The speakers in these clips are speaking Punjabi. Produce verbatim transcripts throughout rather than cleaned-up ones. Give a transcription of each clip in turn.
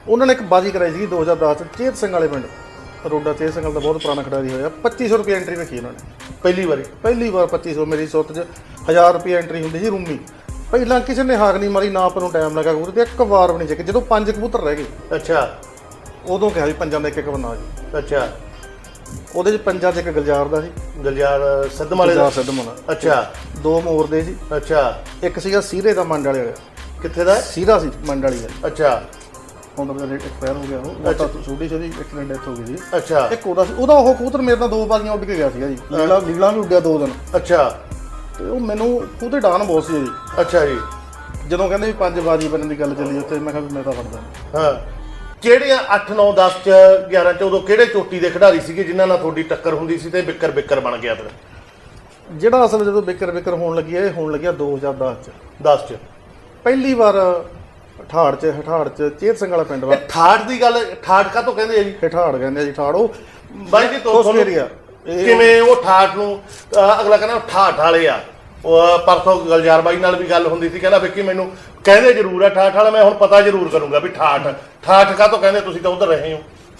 ਉਹਨਾਂ ਨੇ ਇੱਕ ਬਾਜੀ ਕਰਾਈ ਸੀ ਦੋ ਹਜ਼ਾਰ ਦਸ ਚ ਚੇਤ ਸਿੰਘ ਵਾਲੇ ਪਿੰਡ ਰੋਡਾ ਚੇਤ ਸਿੰਘ ਦਾ ਬਹੁਤ ਪੁਰਾਣਾ ਖਿਡਾਰੀ ਹੋਇਆ ਪੱਚੀ ਸੌ ਰੁਪਏ ਐਂਟਰੀ ਰੱਖੀ ਉਹਨਾਂ ਨੇ ਪਹਿਲੀ ਵਾਰੀ ਪਹਿਲੀ ਵਾਰ ਪੱਚੀ ਸੌ ਮੇਰੀ ਸੁੱਤ 'ਚ ਹਜ਼ਾਰ ਰੁਪਏ ਐਂਟਰੀ ਹੁੰਦੀ ਸੀ ਰੂਮੀ ਪਹਿਲਾਂ ਕਿਸੇ ਨੇ ਹਾਕ ਨਹੀਂ ਮਾਰੀ ਨਾ ਆਪਾਂ ਨੂੰ ਟਾਈਮ ਲੱਗਾ ਕਬੂਤਰ ਤੇ ਇੱਕ ਵਾਰ ਵੀ ਨਹੀਂ ਚੱਕੇ ਜਦੋਂ ਪੰਜ ਕਬੂਤਰ ਰਹਿ ਗਏ ਅੱਛਾ ਉਦੋਂ ਕਿਹਾ ਵੀ ਪੰਜਾਂ ਦਾ ਇੱਕ ਇੱਕ ਬੰਨਾ ਜੀ ਅੱਛਾ ਉਹਦੇ 'ਚ ਪੰਜਾਂ 'ਚ ਇੱਕ ਗਲਜਾਰ ਦਾ ਸੀ ਗਲਜਾਰ ਸਿੱਧਮ ਵਾਲੇ ਦਾ ਸਿੱਧਮ ਵਾਲਾ ਅੱਛਾ ਦੋ ਮੋਰ ਦੇ ਸੀ ਅੱਛਾ ਇੱਕ ਸੀਗਾ ਸੀਰੇ ਦਾ ਮੰਡ ਵਾਲੇ ਕਿੱਥੇ ਦਾ ਸੀਰਾ ਸੀ ਮੰਡ ਵਾਲੀ ਦਾ ਅੱਛਾ ਹੁਣ ਤਾਂ ਰੇਟ ਐਕਸਪਾਇਰ ਹੋ ਗਿਆ ਉਹ ਤਾਂ ਛੋਟੀ ਜਿਹੀ ਐਕਸੀਡੈਂਟ ਡੈਥ ਹੋ ਗਈ ਸੀ ਅੱਛਾ ਇੱਕ ਉਹਦਾ ਸੀ ਉਹਦਾ ਉਹ ਕਬੂਤਰ ਮੇਰੇ ਨਾਲ ਦੋ ਬਾਜ਼ੀਆਂ ਉੱਡ ਕੇ ਗਿਆ ਸੀਗਾ ਜੀ ਲੀਲਾ ਲੀਲਾ ਵੀ ਉੱਡਿਆ ਦੋ ਦਿਨ ਅੱਛਾ ਤੇ ਉਹ ਮੈਨੂੰ ਉਹਦੇ ਡਾਨ ਬਹੁਤ ਸੀ ਜੀ ਅੱਛਾ ਜੀ ਜਦੋਂ ਕਹਿੰਦੇ ਵੀ ਪੰਜ ਬਾਜੀ ਬਣਨ ਦੀ ਗੱਲ ਚੱਲੀ ਉੱਥੇ ਮੈਂ ਕਿਹਾ ਵੀ ਮੈਂ ਤਾਂ ਫੜਦਾ ਹਾਂ ਕਿਹੜੇ ਅੱਠ ਨੌ ਦਸ ਚ ਗਿਆਰਾਂ ਚ ਉਦੋਂ ਕਿਹੜੇ ਚੋਟੀ ਦੇ ਖਿਡਾਰੀ ਸੀਗੇ ਜਿਨ੍ਹਾਂ ਨਾਲ ਤੁਹਾਡੀ ਟੱਕਰ ਹੁੰਦੀ ਸੀ ਤੇ ਬਿੱਕਰ ਬਿੱਕਰ ਬਣ ਗਿਆ ਫਿਰ ਜਿਹੜਾ ਅਸਲ ਜਦੋਂ ਬਿਕਰ ਬਿਕਰ ਹੋਣ ਲੱਗੀ ਇਹ ਹੋਣ ਲੱਗਿਆ ਦੋ ਹਜ਼ਾਰ ਦਸ ਚ ਦਸ ਚ ਪਹਿਲੀ ਵਾਰ ਠਾੜ ਚ ਹਠਾੜ ਚ ਚੇਤ ਸਿੰਘ ਵਾਲਾ ਪਿੰਡ ਵਾ ਠਾੜ ਦੀ ਗੱਲ ਠਾੜ ਕਾ ਤੋਂ ਕਹਿੰਦੇ ਆ ਜੀ ਹਠਾੜ ਕਹਿੰਦੇ ਆ ਜੀ ਠਾੜ ਉਹ ਬਾਈ ਜੀ ਤੁਹਾਨੂੰ ਏਰੀਆ ਕਿਵੇਂ ਉਹ ਠਾੜ ਨੂੰ ਅਗਲਾ ਕਹਿੰਦਾ ਠਾਠ ਵਾਲੇ ਆ ਉਹ ਪਰਸੋਂ ਗਲਜਾਰ ਬਾਈ ਨਾਲ ਵੀ ਗੱਲ ਹੁੰਦੀ ਸੀ ਕਹਿੰਦਾ ਵਿੱਕੀ ਮੈਨੂੰ ਕਹਿੰਦੇ ਜ਼ਰੂਰ ਆ ਠਾਠ ਵਾਲਾ ਮੈਂ ਹੁਣ ਪਤਾ ਜ਼ਰੂਰ ਕਰੂੰਗਾ ਵੀ ਠਾਠ ਠਾਠ ਕਾ ਤੋਂ ਕਹਿੰਦੇ ਤੁਸੀਂ ਤਾਂ ਉਧਰ ਰਹੇ ਹੋ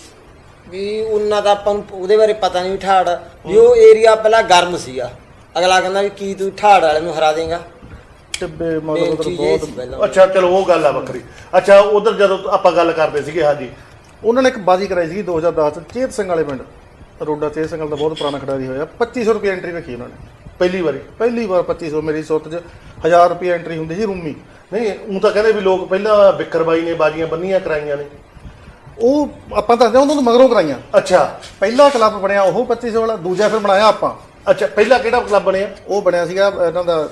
ਵੀ ਉਹਨਾਂ ਦਾ ਆਪਾਂ ਨੂੰ ਉਹਦੇ ਬਾਰੇ ਪਤਾ ਨਹੀਂ ਠਾੜ ਵੀ ਉਹ ਏਰੀਆ ਪਹਿਲਾਂ ਗਰਮ ਸੀਗਾ ਅਗਲਾ ਕਹਿੰਦਾ ਵੀ ਕੀ ਤੂੰ ਠਾੜ ਵਾਲੇ ਨੂੰ ਹਰਾ ਦੇਂਗਾ ਟਿੱਬੇ ਮਤਲਬ ਉਧਰ ਬਹੁਤ ਅੱਛਾ ਚਲੋ ਉਹ ਗੱਲ ਆ ਵੱਖਰੀ ਅੱਛਾ ਉਧਰ ਜਦੋਂ ਆਪਾਂ ਗੱਲ ਕਰਦੇ ਸੀਗੇ ਹਾਂਜੀ ਉਹਨਾਂ ਨੇ ਇੱਕ ਬਾਜੀ ਕਰਾਈ ਸੀ ਦੋ ਹਜ਼ਾਰ ਦਸ ਚ ਚੇਤ ਸਿੰਘ ਵਾਲੇ ਪਿੰਡ ਰੋਡਾ ਚੇਤ ਸਿੰਘ ਦਾ ਬਹੁਤ ਪੁਰਾਣਾ ਖਿਡਾਰੀ ਹੋਇਆ ਪੱਚੀ ਸੌ ਰੁਪਏ ਐਂਟਰੀ ਰੱਖੀ ਉਹਨਾਂ ਨੇ ਪਹਿਲੀ ਵਾਰੀ ਪਹਿਲੀ ਵਾਰ ਪੱਚੀ ਸੌ ਮੇਰੀ ਸੁੱਤ 'ਚ ਹਜ਼ਾਰ ਰੁਪਏ ਐਂਟਰੀ ਹੁੰਦੀ ਸੀ ਰੂਮੀ ਨਹੀਂ ਉਹ ਤਾਂ ਕਹਿੰਦੇ ਵੀ ਲੋਕ ਪਹਿਲਾਂ ਬਿੱਕਰ ਬਾਈ ਨੇ ਬਾਜੀਆਂ ਬੰਨੀਆਂ ਕਰਾਈਆਂ ਨੇ ਉਹ ਆਪਾਂ ਦੱਸਦੇ ਉਹਨਾਂ ਤੋਂ ਮਗਰੋਂ ਕਰਾਈਆਂ ਅੱਛਾ ਪਹਿਲਾ ਕਲੱਬ ਬਣਿਆ ਉਹ ਪੱਚੀ ਸੌ ਵਾਲਾ ਦੂਜਾ ਫਿਰ ਬਣਾਇਆ ਆਪਾਂ ਅੱਛਾ ਪਹਿਲਾ ਕਿਹੜਾ ਕਲੱਬ ਬਣਿਆ ਉਹ ਬਣਿਆ ਸੀਗਾ ਇਹਨਾਂ ਦਾ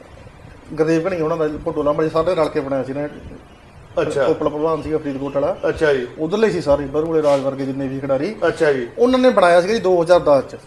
ਗੁਰਦੇਵ ਘਣੀ ਉਹਨਾਂ ਦਾ ਭੋਟੋ ਲਾਂਬਾ ਸਾਰੇ ਰਲ ਕੇ ਬਣਾਇਆ ਸੀ ਨਾ ਅੱਛਾ ਕੋਪਲਾ ਭਲਵਾਨ ਸੀਗਾ ਫਰੀਦਕੋਟ ਵਾਲਾ ਅੱਛਾ ਜੀ ਉਧਰਲੇ ਸੀ ਸਾਰੇ ਬਰੂਲੇ ਰਾਜ ਵਰਗੇ ਜਿੰਨੇ ਵੀ ਖਿਡਾਰੀ ਅੱਛਾ ਜੀ ਉਹਨਾਂ ਨੇ ਬਣਾਇਆ ਸੀਗਾ ਜੀ ਦੋ ਹਜ਼ਾਰ ਦਸ ਚ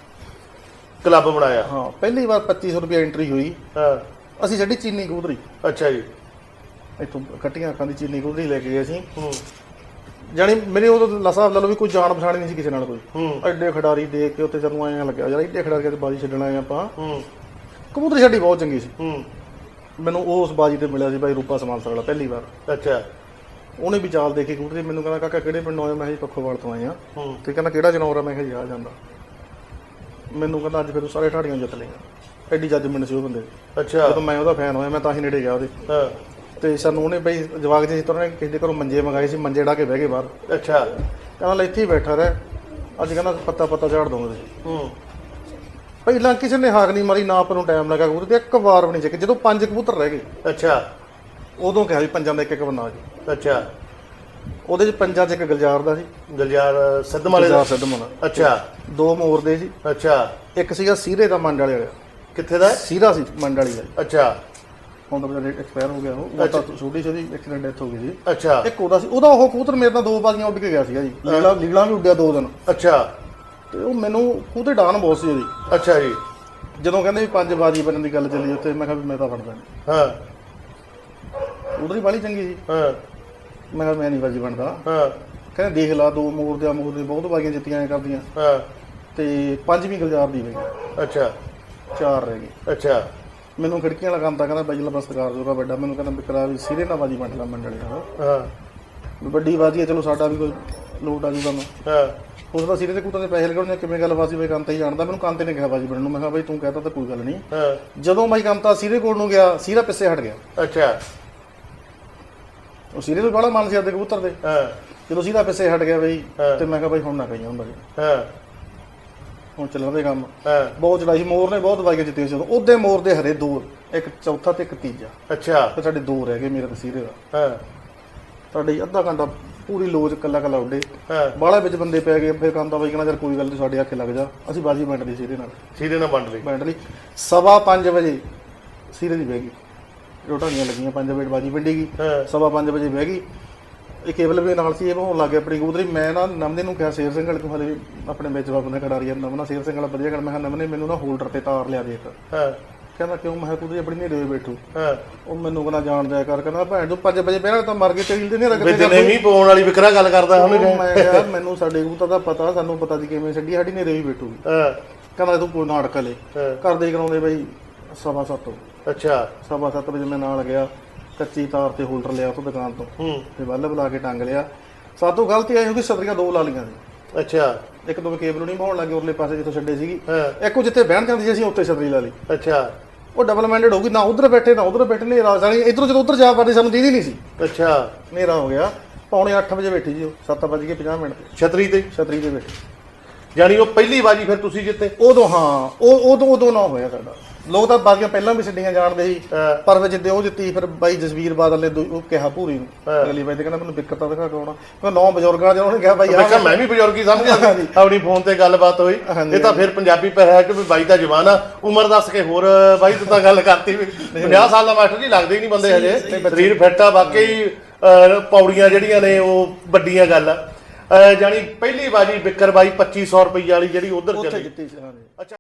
ਕਲੱਬ ਬਣਾਇਆ ਹਾਂ ਪਹਿਲੀ ਵਾਰ ਪੱਚੀ ਸੌ ਰੁਪਏ ਐਂਟਰੀ ਹੋਈ ਹਾਂ ਅਸੀਂ ਛੱਡੀ ਚੀਨੀ ਕਬੂਤਰੀ ਅੱਛਾ ਜੀ ਇੱਥੋਂ ਕੱਟੀਆਂ ਅੱਖਾਂ ਦੀ ਚੀਨੀ ਕਬੂਤਰੀ ਲੈ ਕੇ ਗਏ ਸੀ ਹੂੰ ਜਾਣੀ ਮੇਰੇ ਉਦੋਂ ਲਸਾਬ ਲਾ ਲਓ ਵੀ ਕੋਈ ਜਾਣ ਪਛਾਣ ਨਹੀਂ ਸੀ ਕਿਸੇ ਨਾਲ ਕੋਈ ਹੂੰ ਐਡੇ ਖਿਡਾਰੀ ਦੇਖ ਕੇ ਉੱਥੇ ਸਾਨੂੰ ਐਂ ਲੱਗਿਆ ਯਾਰ ਐਡੇ ਖਿਡਾਰੀ ਤੇ ਬਾਜੀ ਛੱਡਣ ਆਏ ਆਪਾਂ ਹੂੰ ਕਬੂਤਰੀ ਛੱਡੀ ਬਹੁਤ ਚੰਗੀ ਸੀ ਹੂੰ ਮੈਨੂੰ ਉਸ ਬਾਜੀ ਤੇ ਮਿਲਿਆ ਸੀ ਭਾਈ ਰੂਪਾ ਸਮਾਲਸਰ ਵਾਲਾ ਪਹਿਲੀ ਵਾਰ ਅੱਛਾ ਉਹਨੇ ਵੀ ਚਾਲ ਦੇਖੀ ਕਬੂਤਰੀ ਮੈਨੂੰ ਕਹਿੰਦਾ ਕਾਕਾ ਕਿਹੜੇ ਪਿੰਡੋਂ ਆਏ ਮੈਂ ਕਿਹਾ ਜੀ ਪੱਖੋਵਾਲ ਤੋਂ ਆਏ ਆ ਹੂੰ ਤੇ ਕਹਿੰਦਾ ਕਿਹੜਾ ਜਨੌਰ ਆ ਮੈਂ ਕਿਹਾ ਜੀ ਆ ਜਾਂਦਾ ਮੈਨੂੰ ਕਹਿੰਦਾ ਅੱਜ ਫਿਰ ਤੂੰ ਸਾਰੇ ਠਾੜੀਆਂ ਜਿੱਤ ਲਏਗਾ ਐਡੀ ਜੱਜਮੈਂਟ ਸੀ ਉਹ ਬੰਦੇ ਦੀ ਅੱਛਾ ਜਦੋਂ ਮੈਂ ਉਹਦਾ ਫੈਨ ਹੋਇਆ ਮੈਂ ਤਾਂ ਹੀ ਨੇੜੇ ਗਿਆ ਉਹਦੇ ਹਾਂ ਤੇ ਸਾਨੂੰ ਉਹਨੇ ਬਈ ਜਵਾਕ ਜੀ ਤਰ੍ਹਾਂ ਨੇ ਕਿਸੇ ਦੇ ਘਰੋਂ ਮੰਜੇ ਮੰਗਾਏ ਸੀ ਮੰਜੇ ਢਾ ਕੇ ਬਹਿ ਗਏ ਬਾਹਰ ਅੱਛਾ ਕਹਿੰਦਾ ਲੈ ਇੱਥੇ ਹੀ ਬੈਠਾ ਰਹਿ ਅੱਜ ਕਹਿੰਦਾ ਪੱਤਾ ਪੱਤਾ ਝਾੜ ਦਊਂਗਾ ਤੁਸੀਂ ਹੂੰ ਪਹਿਲਾਂ ਕਿਸੇ ਨੇ ਹਾਕ ਨਹੀਂ ਮਾਰੀ ਨਾ ਆਪਾਂ ਨੂੰ ਟਾਈਮ ਲੱਗਾ ਕਬੂਤਰ ਤੇ ਇੱਕ ਵਾਰ ਵੀ ਨਹੀਂ ਚੱਕੇ ਜਦੋਂ ਪੰਜ ਕਬੂਤਰ ਰਹਿ ਗਏ ਅੱਛਾ ਉਦੋਂ ਕਿਹਾ ਵੀ ਪੰਜਾਂ ਦਾ ਇੱਕ ਇੱਕ ਬੰਨਾ ਜੀ ਅੱਛਾ ਉਹਦੇ 'ਚ ਪੰਜਾਂ 'ਚ ਇੱਕ ਗਲਜਾਰ ਦਾ ਸੀ ਗਲਜਾਰ ਸਿੱਧਮ ਵਾਲੇ ਦਾ ਸਿੱਧਮ ਵਾਲਾ ਅੱਛਾ ਦੋ ਮੋਰ ਦੇ ਸੀ ਅੱਛਾ ਇੱਕ ਸੀਗਾ ਸੀਰੇ ਦਾ ਮੰਡ ਵਾਲੇ ਕਿੱਥੇ ਦਾ ਸੀਰਾ ਸੀ ਮੰਡ ਵਾਲੀ ਦਾ ਅੱਛਾ ਹੁਣ ਤਾਂ ਰੇਟ ਐਕਸਪਾਇਰ ਹੋ ਗਿਆ ਉਹ ਤਾਂ ਛੋਟੀ ਜਿਹੀ ਐਕਸੀਡੈਂਟ ਡੈਥ ਹੋ ਗਈ ਸੀ ਅੱਛਾ ਇੱਕ ਉਹਦਾ ਸੀ ਉਹਦਾ ਉਹ ਕਬੂਤਰ ਮੇਰੇ ਨਾਲ ਦੋ ਬਾਜ਼ੀਆਂ ਉੱਡ ਕੇ ਗਿਆ ਸੀਗਾ ਜੀ ਲੀਲਾ ਲੀਲਾ ਵੀ ਉੱਡਿਆ ਦੋ ਦਿਨ ਅੱਛਾ ਤੇ ਉਹ ਮੈਨੂੰ ਉਹਦੇ ਡਾਨ ਬਹੁਤ ਸੀ ਉਹਦੀ ਅੱਛਾ ਜੀ ਜਦੋਂ ਕਹਿੰਦੇ ਵੀ ਪੰਜ ਬਾਜੀ ਬਣਨ ਦੀ ਗੱਲ ਚੱਲੀ ਉੱਥੇ ਮੈਂ ਕਿਹਾ ਵੀ ਮੈਂ ਤਾਂ ਫੜਦਾ ਹਾਂ ਉਧਰ ਹੀ ਬਾਲੀ ਚੰਗੀ ਸੀ ਹਾਂ ਮੈਂ ਕਿਹਾ ਮੈਂ ਨਹੀਂ ਬਾਜੀ ਬਣਦਾ ਹਾਂ ਕਹਿੰਦੇ ਦੇਖ ਲਾ ਦੋ ਮੋਰ ਦੇ ਮੋਰ ਦੇ ਬਹੁਤ ਬਾਜ਼ੀਆਂ ਜਿੱਤੀਆਂ ਐ ਕਰਦੀਆਂ ਹਾਂ ਤੇ ਪੰਜਵੀਂ ਗਲਜਾਰ ਦੀ ਗਈ ਅੱਛਾ ਚਾਰ ਰਹਿ ਗਈ ਅੱਛਾ ਮੈਨੂੰ ਖਿੜਕੀਆਂ ਵਾਲਾ ਕੰਮ ਤਾਂ ਕਹਿੰਦਾ ਬਾਈ ਲਾ ਸਰਕਾਰ ਜੋਗਾ ਵੱਡਾ ਮੈਨੂੰ ਕਹਿੰਦਾ ਬਿਕਰਾ ਵੀ ਸੀਰੇ ਨਾਲ ਬਾਜੀ ਵੰਡ ਲਾ ਮੰਡਲੀ ਨਾਲ ਹਾਂ ਵੀ ਵੱਡੀ ਬਾਜੀ ਹੈ ਚਲੋ ਸਾਡਾ ਵੀ ਕੋਈ ਲੋਟ ਆ ਜੂਗਾ ਮੈਂ ਹਾਂ ਉਸ ਦਾ ਸੀਰੇ ਦੇ ਕੂਤਾਂ ਦੇ ਪੈਸੇ ਲਗਾਉਣੇ ਕਿਵੇਂ ਗੱਲ ਬਾਜੀ ਬਈ ਕੰਮ ਤਾਂ ਹੀ ਜਾਣਦਾ ਮੈਨੂੰ ਕੰਮ ਤੇ ਨੇ ਕਿਹਾ ਬਾਜੀ ਬਣਨ ਨੂੰ ਮੈਂ ਕਿਹਾ ਬਾਈ ਤੂੰ ਕਹਤਾ ਤਾਂ ਕੋਈ ਗੱਲ ਨਹੀਂ ਹਾਂ ਜਦੋਂ ਬਾਈ ਕੰਮ ਤਾਂ ਸੀਰੇ ਕੋਲ ਨੂੰ ਗਿਆ ਸੀਰਾ ਪਿੱਛੇ ਹਟ ਗਿਆ ਅੱਛਾ ਉਹ ਸੀਰੇ ਤੋਂ ਬੜਾ ਮਨ ਸੀ ਆਪਦੇ ਕਬੂਤਰ ਦੇ ਹਾਂ ਜਦੋਂ ਸੀਰਾ ਪਿੱਛੇ ਹਟ ਗਿਆ ਬਈ ਤੇ ਮੈਂ ਕਿਹਾ ਬਾਈ ਹੁਣ ਨਾ ਕਹੀਆਂ ਹੁੰਦਾ ਹਾਂ ਹੁਣ ਚੱਲਣ ਦੇ ਕੰਮ ਹਾਂ ਬਹੁਤ ਚੜਾਈ ਮੋਰ ਨੇ ਬਹੁਤ ਵਾਈਆਂ ਜਿੱਤੀਆਂ ਸੀ ਉਹਦੇ ਮੋਰ ਦੇ ਹਰੇ ਦੋ ਇੱਕ ਚੌਥਾ ਤੇ ਇੱਕ ਤੀਜਾ ਅੱਛਾ ਤੇ ਸਾਡੇ ਦੋ ਰਹਿ ਗਏ ਮੇਰੇ ਤਸੀਰੇ ਦਾ ਹਾਂ ਸਾਡੇ ਅੱਧਾ ਘੰਟਾ ਪੂਰੀ ਲੋਜ ਕੱਲਾ ਕੱਲਾ ਉੱਡੇ ਹਾਂ ਬਾਹਲਾ ਵਿੱਚ ਬੰਦੇ ਪੈ ਗਏ ਫਿਰ ਕਹਿੰਦਾ ਬਾਈ ਕਹਿੰਦਾ ਯਾਰ ਕੋਈ ਗੱਲ ਨਹੀਂ ਸਾਡੇ ਆਖੇ ਲੱਗ ਜਾ ਅਸੀਂ ਬਾਜੀ ਵੰਡ ਲਈ ਸੀਰੇ ਨਾਲ ਸੀਰੇ ਨਾਲ ਵੰਡ ਲਈ ਵੰਡ ਲਈ ਸਵਾ ਪੰਜ ਵਜੇ ਸੀਰੇ ਦੀ ਬਹਿ ਗਈ ਰੋਟਾਂੀਆਂ ਲੱਗੀਆਂ ਪੰਜ ਵਜੇ ਬਾਜੀ ਵੰਡੀ ਗਈ ਹਾਂ ਸਵਾ ਪੰਜ ਵਜੇ ਬਹਿ ਗਈ ਇਹ ਕੇਬਲ ਵੀ ਨਾਲ ਸੀ ਇਹ ਹੋਣ ਲੱਗ ਗਿਆ ਆਪਣੀ ਕਬੂਤਰੀ ਮੈਂ ਨਾ ਨਮਨੇ ਨੂੰ ਕਿਹਾ ਸ਼ੇਰ ਸਿੰਘ ਵਾਲੇ ਤੋਂ ਹਲੇ ਆਪਣੇ ਵਿੱਚ ਬਾਬੂ ਨੇ ਖਿਡਾਰੀ ਨਮਨਾ ਸ਼ੇਰ ਸਿੰਘ ਵਾਲਾ ਵਧੀਆ ਕਰ ਮੈਂ ਕਿਹਾ ਨਮਨੇ ਮੈਨੂੰ ਨਾ ਹੋਲਡਰ ਤੇ ਤਾਰ ਲਿਆ ਦੇ ਇੱਕ ਹਾਂ ਕਹਿੰਦਾ ਕਿਉਂ ਮੈਂ ਕਬੂਤਰੀ ਆਪਣੀ ਨੇੜੇ ਬੈਠੂ ਹਾਂ ਉਹ ਮੈਨੂੰ ਕਹਿੰਦਾ ਜਾਣ ਜਾਇਆ ਕਰ ਕਹਿੰਦਾ ਭੈਣ ਤੂੰ ਪੰਜ ਵਜੇ ਪਹਿਲਾਂ ਤਾਂ ਮਰ ਕੇ ਤੇਲ ਦੇ ਨਹੀਂ ਰੱਖਦੇ ਜਿੰਨੇ ਵੀ ਪਾਉਣ ਵਾਲੀ ਵਿਕਰਾ ਗੱਲ ਕਰਦਾ ਉਹਨੇ ਮੈਂ ਕਿਹਾ ਮੈਨੂੰ ਸਾਡੇ ਕਬੂਤਰ ਦਾ ਪਤਾ ਸਾਨੂੰ ਪਤਾ ਸੀ ਕਿਵੇਂ ਛੱਡੀ ਸਾਡੀ ਨੇੜੇ ਵੀ ਬੈਠੂਗੀ ਹਾਂ ਕਹਿੰਦਾ ਤੂੰ ਕੋਈ ਨਾ ਅੜਕ ਲੈ ਹਾਂ ਕਰਦੇ ਕਰਾਉਂਦੇ ਬਈ ਸਵਾ ਸੱਤ ਅੱਛਾ ਸਵਾ ਸੱਤ ਵਜੇ ਮੈਂ ਨਾਲ ਗਿਆ ਕੱਚੀ ਤਾਰ ਤੇ ਹੋਲਡਰ ਲਿਆ ਤੋਂ ਦੁਕਾਨ ਤੋਂ ਹੂੰ ਤੇ ਬੱਲਬ ਲਾ ਕੇ ਟੰਗ ਲਿਆ। ਸਾਤੋਂ ਗਲਤੀ ਆਈ ਹੋ ਗਈ, ਸਤਰੀਆਂ ਦੋ ਲਾ ਲਈਆਂ ਸੀ। ਅੱਛਾ ਇੱਕ ਦੋ ਕੇਬਲ ਨਹੀਂ ਪਾਉਣ ਲੱਗੇ ਉਰਲੇ ਪਾਸੇ ਜਿੱਥੋਂ ਛੱਡੇ ਸੀਗੀ, ਹਾਂ ਇੱਕ ਉਹ ਜਿੱਥੇ ਬਹਿਣ ਜਾਂਦੀ ਸੀ ਅਸੀਂ ਉੱਥੇ ਛਤਰੀ ਲਾ ਲਈ। ਅੱਛਾ ਉਹ ਡਬਲ ਮਾਈਂਡਡ ਹੋ ਗਈ, ਨਾ ਉਧਰ ਬੈਠੇ ਨਾ ਉਧਰ ਬੈਠੇ, ਹਨੇਰਾ ਸਾਲੀ ਇਧਰੋਂ ਜਦੋਂ ਉਧਰ ਜਾ ਪਾਦੇ ਸਾਨੂੰ ਦੀਦੀ ਨਹੀਂ ਸੀ। ਅੱਛਾ ਹਨੇਰਾ ਹੋ ਗਿਆ, ਪੌਣੇ ਅੱਠ ਵਜੇ ਬੈਠੀ ਜੀ ਉਹ, ਸੱਤ ਵੱਜ ਕੇ ਪੰਜਾਹ ਮਿੰਟ ਤੇ ਛਤਰੀ ਤੇ ਛਤਰੀ ਤੇ ਬੈਠੀ। ਜਾਨੀ ਉਹ ਪਹਿਲੀ ਬਾਜੀ ਫਿਰ ਤੁਸੀਂ ਜਿੱਤੇ? ਉਦੋਂ ਹਾਂ ਉਹ ਉਦੋਂ ਉਦੋਂ ਨਾ ਹੋਇਆ ਸਾਡਾ। ਲੋਕ ਤਾਂ ਬਾਜ਼ੀਆਂ ਪਹਿਲਾਂ ਵੀ ਛੱਡੀਆਂ ਜਾਣਦੇ ਸੀ, ਹਾਂ। ਪਰ ਫਿਰ ਜਿੱਦੇ ਉਹ ਜਿੱਤੀ ਫਿਰ ਬਾਈ ਜਸਵੀਰ ਬਾਦਲ ਨੇ ਦੂ- ਉਹ ਕਿਹਾ ਭੂਰੀ ਨੂੰ ਹਾਂ। ਅਗਲੀ ਬਾਈ ਤੇ ਕਹਿੰਦਾ ਮੈਨੂੰ ਦਿੱਕਤ ਤਾਂ ਦਿਖਾ ਕੇ ਆਉਣਾ। ਮੈਂ ਨੌ ਬਜ਼ੁਰਗਾਂ ਚ ਉਹਨੇ ਕਿਹਾ ਬਾਈ ਮੈਂ ਕਿਹਾ ਮੈਂ ਵੀ ਬਜ਼ੁਰਗੀ ਸਮਝਿਆ ਸੀ। ਆਪਣੀ ਫੋਨ ਤੇ ਗੱਲਬਾਤ ਹੋਈ, ਹਾਂਜੀ। ਇਹ ਤਾਂ ਫਿਰ ਪੰਜਾਬੀ ਪਰ ਹੈ ਕਿ ਵੀ ਬਾਈ ਦਾ ਜਵਾਨ ਆ। ਉਮਰ ਦੱਸ ਕੇ ਹੋਰ ਬਾਈ ਤੂੰ ਤਾਂ ਗੱਲ ਕਰਤੀ ਵੀ ਪੰਜਾਹ ਸਾਲ ਦਾ ਮਾਸਟਰ ਜੀ ਲੱਗਦੇ ਹੀ ਨਹੀਂ ਬੰਦੇ ਹਜੇ, ਸਰੀਰ ਫਿੱਟ ਆ ਵਾਕਈ। ਅਹ, ਪੌੜੀਆਂ ਜਿਹੜੀਆਂ ਨੇ ਉਹ ਵੱਡੀਆਂ ਗੱਲ ਆ। ਅਹ, ਜਾਣੀ ਪਹਿਲੀ ਬਾਜੀ ਬਿੱਕਰ ਬਾਈ ਪੱਚੀ ਸੌ ਰੁਪਈਆ ਵਾਲੀ ਜਿਹੜੀ ਉਧਰ ਉੱਥੇ ਚੱਲੀ। ਜਿੱਤੀ ਸੀ। ਹਾਂਜੀ ਅੱਛਾ